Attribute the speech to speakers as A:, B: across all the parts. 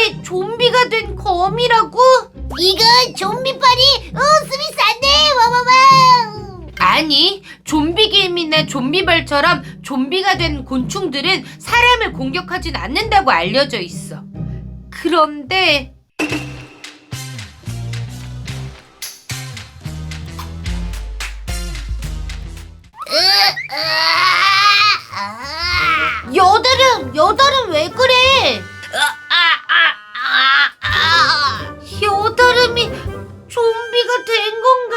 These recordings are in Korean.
A: 이게 좀비가 된 거미라고?
B: 이건 좀비빨이 스미스 안돼 와와와.
A: 아니, 좀비 개미나 좀비벌처럼 좀비가 된 곤충들은 사람을 공격하진 않는다고 알려져 있어. 그런데
B: 여다름 왜 그래?
A: 여다름이 좀비가 된 건가?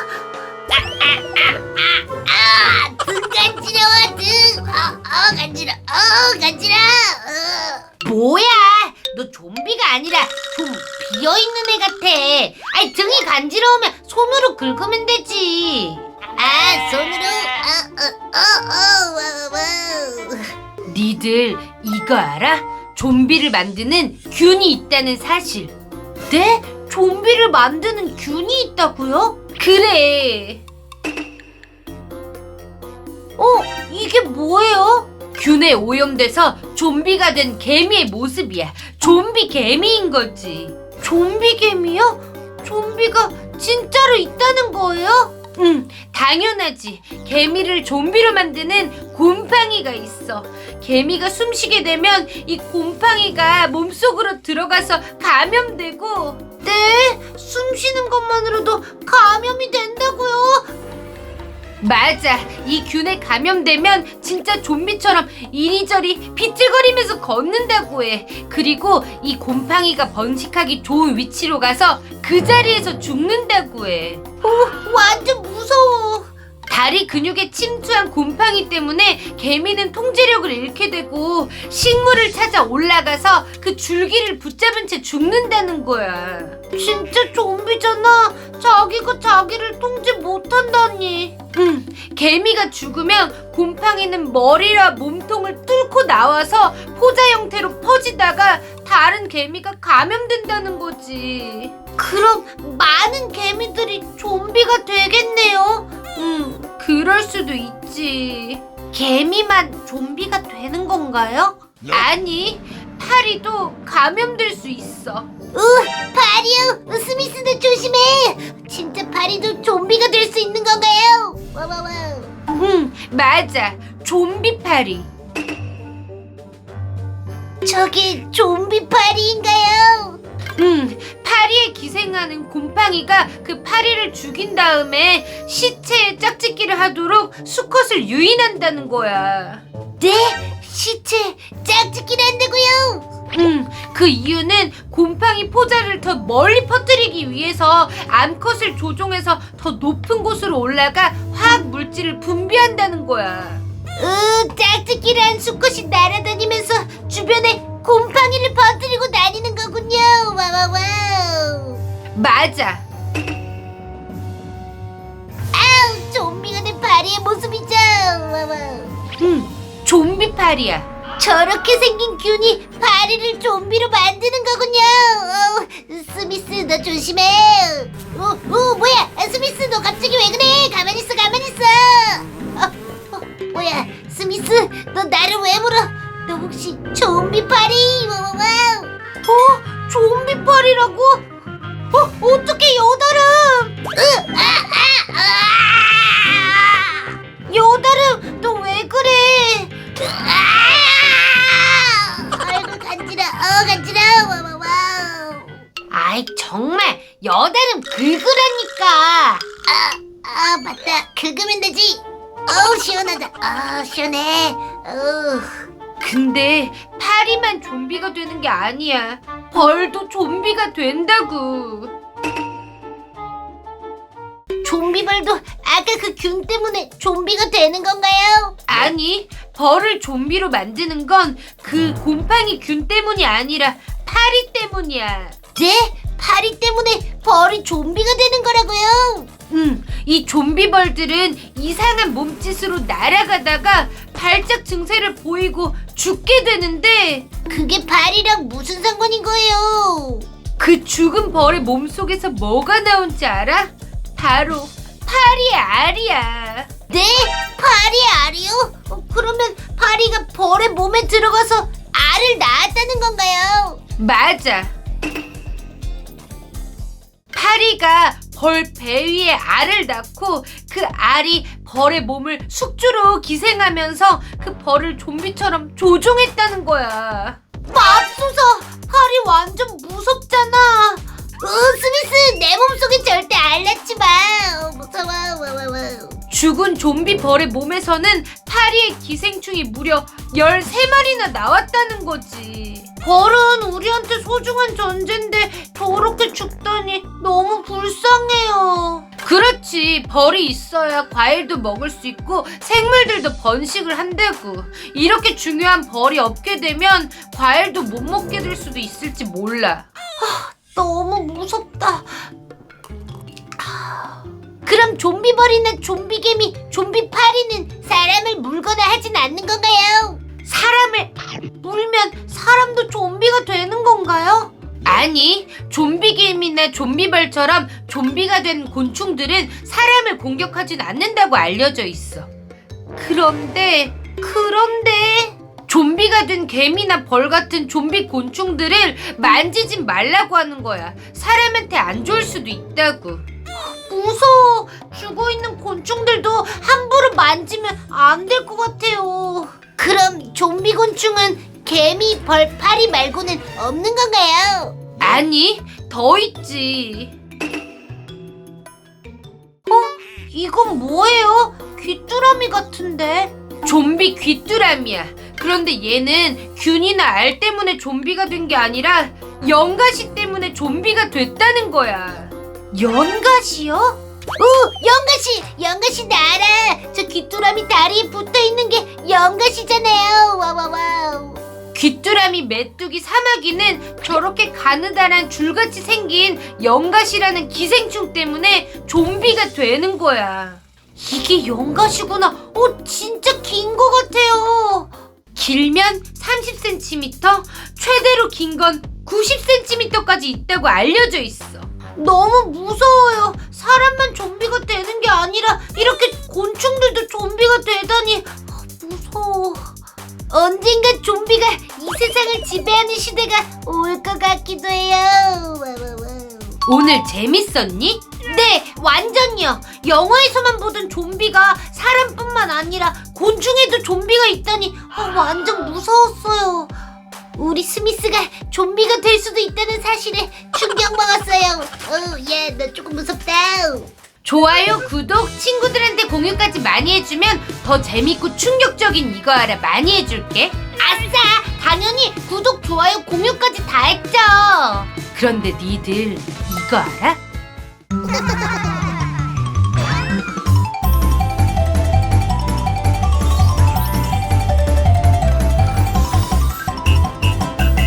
B: 등 간지러워 등. 간지러.
A: 뭐야? 너 좀비가 아니라 좀 비어있는 애 같아. 아이, 등이 간지러우면 손으로 긁으면 되지.
B: 손으로.
A: 니들 이거 알아? 좀비를 만드는 균이 있다는 사실. 네? 좀비를 만드는 균이 있다고요? 그래. 이게 뭐예요? 균에 오염돼서 좀비가 된 개미의 모습이야. 좀비 개미인 거지. 좀비 개미요? 좀비가 진짜로 있다는 거예요? 응, 당연하지. 개미를 좀비로 만드는 곰팡이가 있어. 개미가 숨쉬게 되면 이 곰팡이가 몸속으로 들어가서 감염되고. 네? 숨쉬는 것만으로도 감염이 된다고요? 맞아. 이 균에 감염되면 진짜 좀비처럼 이리저리 비틀거리면서 걷는다고 해. 그리고 이 곰팡이가 번식하기 좋은 위치로 가서 그 자리에서 죽는다고 해.
B: 완전 무서워.
A: 다리 근육에 침투한 곰팡이 때문에 개미는 통제력을 잃게 되고 식물을 찾아 올라가서 그 줄기를 붙잡은 채 죽는다는 거야.
B: 진짜 좀비잖아. 자기가 자기를 통제 못한다니.
A: 응, 개미가 죽으면 곰팡이는 머리와 몸통을 뚫고 나와서 포자 형태로 퍼지다가 다른 개미가 감염된다는 거지.
B: 그럼 많은 개미들이 좀비가 되겠네요.
A: 그럴 수도 있지.
B: 개미만 좀비가 되는 건가요?
A: 아니, 파리도 감염될 수 있어.
B: 파리요. 스미스도 조심해. 진짜 파리도 좀비가 될 수 있는 건가요? 와와와.
A: 맞아. 좀비 파리.
B: 저게 좀비 파리인가요?
A: 파리에 기생하는 곰팡이가 그 파리를 죽인 다음에 시체에 짝짓기를 하도록 수컷을 유인한다는 거야.
B: 네? 시체 짝짓기를 한다고요?
A: 그 이유는 곰팡이 포자를 더 멀리 퍼뜨리기 위해서 암컷을 조종해서 더 높은 곳으로 올라가 화학 물질을 분비한다는 거야.
B: 짝짓기를 한 수컷이 날아다니면서 주변에 곰팡이를 퍼뜨리고 다니는 거군요. 와와와.
A: 맞아.
B: 아우, 좀비가 된 파리의 모습이죠. 와와.
A: 좀비 파리야.
B: 저렇게 생긴 균이 파리를 좀비로 만드는 거군요. 스미스 너 조심해. 뭐야? 스미스 너 갑자기 왜 그래? 가만히 있어. 뭐야? 스미스 너 나를 왜 물어? 너 혹시 좀비 파리? 와와와.
A: 좀비 파리라고? 어떻게 여다름? 여다름 너 왜 그래?
B: 아이고 간지러. 와와와.
A: 아이, 정말 여다름 긁으라니까.
B: 맞다. 긁으면 되지. 시원하다. 시원해.
A: 근데 파리만 좀비가 되는 게 아니야. 벌도 좀비가 된다고.
B: 좀비벌도 아까 그 균 때문에 좀비가 되는 건가요?
A: 아니, 벌을 좀비로 만드는 건 그 곰팡이 균 때문이 아니라 파리 때문이야.
B: 네? 파리 때문에 벌이 좀비가 되는 거라고요?
A: 이 좀비벌들은 이상한 몸짓으로 날아가다가 발작 증세를 보이고 죽게 되는데
B: 그게 파리랑 무슨 상관인 거예요?
A: 그 죽은 벌의 몸속에서 뭐가 나온지 알아? 바로 파리의 알이야.
B: 네? 파리 알이요? 그러면 파리가 벌의 몸에 들어가서 알을 낳았다는 건가요?
A: 맞아. 파리가 벌 배 위에 알을 낳고 그 알이 벌의 몸을 숙주로 기생하면서 그 벌을 좀비처럼 조종했다는 거야.
B: 맙소사, 파리 완전 무섭잖아. 스미스, 내 몸속에 절대 알 낳지 마. 무서워.
A: 죽은 좀비 벌의 몸에서는 파리의 기생충이 무려 13마리나 나왔다는 거지.
B: 벌은 우리한테 소중한 존재인데 저렇게 죽다니 너무 불쌍해요.
A: 그렇지. 벌이 있어야 과일도 먹을 수 있고 생물들도 번식을 한다고. 이렇게 중요한 벌이 없게 되면 과일도 못 먹게 될 수도 있을지 몰라.
B: 너무 무섭다. 그럼 좀비벌이나 좀비개미, 좀비파리는 사람을 물거나 하진 않는 건가요?
A: 사람을
B: 물면 사람도 좀비가 되는 건가요?
A: 아니, 좀비개미나 좀비벌처럼 좀비가 된 곤충들은 사람을 공격하진 않는다고 알려져 있어. 그런데 좀비가 된 개미나 벌 같은 좀비 곤충들을 만지진 말라고 하는 거야. 사람한테 안 좋을 수도 있다고.
B: 무서워. 죽어있는 곤충들도 함부로 만지면 안 될 것 같아요. 그럼 좀비 곤충은 개미, 벌, 파리 말고는 없는 건가요?
A: 아니, 더 있지.
B: 이건 뭐예요? 귀뚜라미 같은데?
A: 좀비 귀뚜라미야. 그런데 얘는 균이나 알 때문에 좀비가 된 게 아니라 연가시 때문에 좀비가 됐다는 거야.
B: 연가시요? 연가시 나 알아. 저 귀뚜라미 다리에 붙어있는 게 연가시잖아요. 와와와우.
A: 귀뚜라미 메뚜기 사마귀는 저렇게 가느다란 줄같이 생긴 연가시라는 기생충 때문에 좀비가 되는 거야.
B: 이게 연가시구나. 진짜 긴 거 같아요.
A: 길면 30cm, 최대로 긴 건 90cm까지 있다고 알려져 있어.
B: 너무 무서워요. 사람만 좀비가 되는 게 아니라 이렇게 곤충들도 좀비가 되다니 무서워. 언젠가 좀비가 이 세상을 지배하는 시대가 올 것 같기도 해요.
A: 오늘 재밌었니?
B: 네, 완전요. 영화에서만 보던 좀비가 사람뿐만 아니라 곤충에도 좀비가 있다니 완전 무서웠어요. 우리 스미스가 좀비가 될 수도 있다는 사실에 충격 먹었어요. 나 조금 무섭다.
A: 좋아요, 구독, 친구들한테 공유까지 많이 해주면 더 재밌고 충격적인 이거 알아 많이 해줄게.
B: 아싸! 당연히 구독, 좋아요, 공유까지 다 했죠.
A: 그런데 니들 이거 알아?